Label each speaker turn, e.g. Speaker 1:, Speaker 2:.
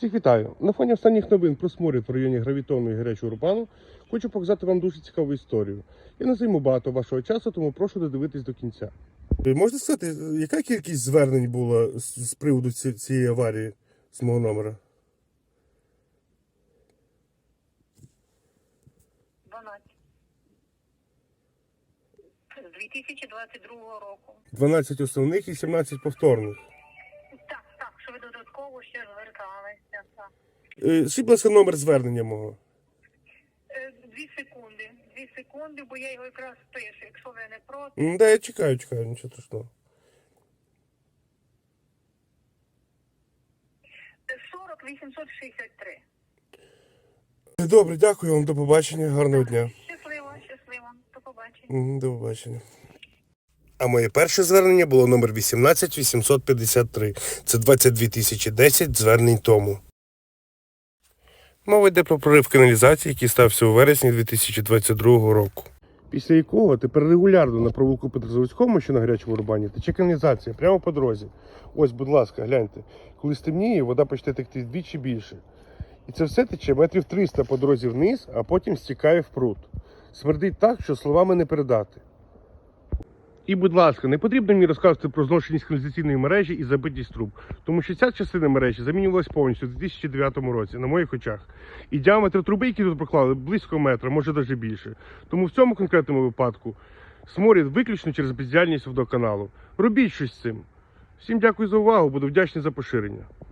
Speaker 1: Всіх вітаю! На фоні останніх новин про сморід в районі Гравітону і Гарячого Рубану хочу показати вам дуже цікаву історію. Я не займу багато вашого часу, тому прошу додивитись до кінця. Можете сказати, яка кількість звернень була з приводу цієї аварії з мого номера?
Speaker 2: 12. З 2022 року.
Speaker 1: 12 основних і 17 повторних.
Speaker 2: Так, що ви додатково ще зверталися. Так.
Speaker 1: Скажіть, будь ласка, номер звернення мого.
Speaker 2: 2 секунди, бо я його якраз пишу, якщо ви не проти.
Speaker 1: Да, я чекаю, нічого страшного.
Speaker 2: 40 863.
Speaker 1: Добре, дякую вам, до побачення, гарного дня.
Speaker 2: Щасливо, до побачення.
Speaker 1: До побачення. А моє перше звернення було номер 18853. Це 22 010 звернень тому. Мова йде про прорив каналізації, який стався у вересні 2022 року. Після якого тепер регулярно на провулку Петрозаводському, що на Гарячому Рубані, тече каналізація прямо по дорозі. Ось, будь ласка, гляньте. Коли стемніє, вода почне текти вдвічі більше. І це все тече метрів 300 по дорозі вниз, а потім стікає в пруд. Смердить так, що словами не передати. І, будь ласка, не потрібно мені розказувати про зношеність каналізаційної мережі і забитість труб, тому що ця частина мережі замінювалась повністю у 2009 році, на моїх очах. І діаметр труби, які тут проклали, близько метра, може навіть більше. Тому в цьому конкретному випадку сморід виключно через бездіяльність водоканалу. Робіть щось з цим. Всім дякую за увагу, буду вдячний за поширення.